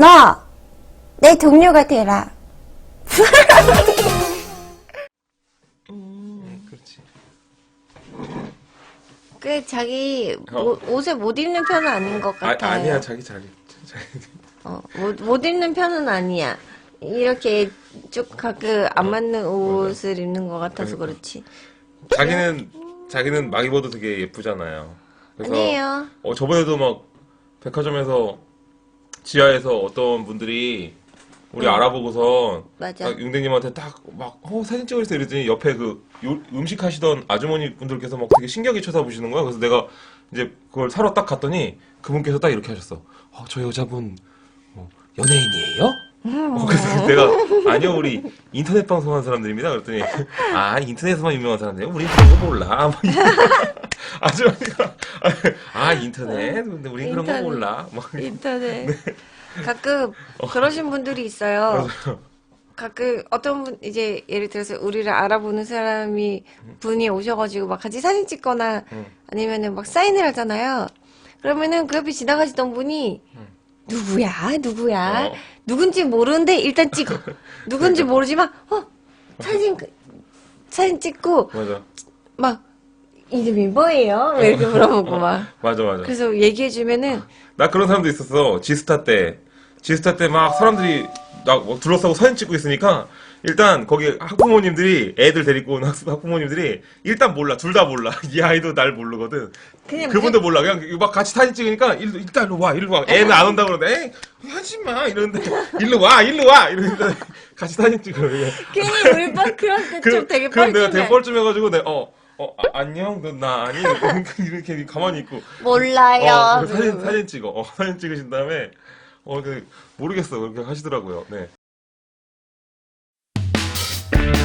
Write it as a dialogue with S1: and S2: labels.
S1: 너! 내 동료가 되라.
S2: 그렇지.
S1: 그 자기 옷을 못 입는 편은 아닌 것 같아요.
S2: 아니야, 자기 잘.
S1: 못 입는 편은 아니야. 이렇게 쭉 가끔 안 맞는 옷을 입는 것 같아서 그렇지.
S2: 자기는 막 입어도 되게 예쁘잖아요. 그래서
S1: 아니에요.
S2: 저번에도 막 백화점에서 지하에서 어떤 분들이 우리 알아보고서
S1: 맞아.
S2: 딱 융대님한테 딱 막 사진 찍을 때 이러더니 옆에 음식 하시던 아주머니 분들께서 막 되게 신기하게 쳐다보시는 거야. 그래서 내가 이제 그걸 사러 딱 갔더니 그분께서 딱 이렇게 하셨어. 저 여자분 연예인이에요? 그래서 내가 아니요, 우리 인터넷 방송하는 사람들입니다. 그랬더니 인터넷에서만 유명한 사람들이에요. 우린 그런 거 몰라. 막 아주머니가 인터넷 근데 우린 그런 거 몰라. 막
S1: 인터넷. 가끔 그러신 분들이 있어요. 가끔 어떤 분 이제 예를 들어서 우리를 알아보는 분이 오셔가지고 막 같이 사진 찍거나 아니면은 막 사인을 하잖아요. 그러면은 그 옆에 지나가시던 분이 누구야? 누군지 모르는데 일단 찍어. 누군지 모르지만 사진 찍고
S2: 맞아.
S1: 막 이름이 뭐예요? 왜 이렇게 물어보고 막.
S2: 맞아.
S1: 그래서 얘기해주면은
S2: 나 그런 사람도 있었어. 지스타 때 막 사람들이 막 둘러싸고 사진 찍고 있으니까 일단 거기 학부모님들이 애들 데리고 온 학부모님들이 일단 몰라. 둘 다 몰라. 이 아이도 날 모르거든. 그분도 몰라. 그냥 막 같이 사진 찍으니까 일단 일로 와. 애는 안 온다고 그러는데 하지 마 이러는데 일로 와 이러는데 같이 사진 찍어.
S1: 괜히 우리 빠 그럴 때 좀 되게
S2: 그럼 내가 되게
S1: 뻘쭘해.
S2: 뻘쭘해가지고 내가 안녕 나 아니 이렇게 가만히 있고
S1: 몰라요.
S2: 사진 찍어. 사진 찍으신 다음에 모르겠어. 그렇게 하시더라고요. 네.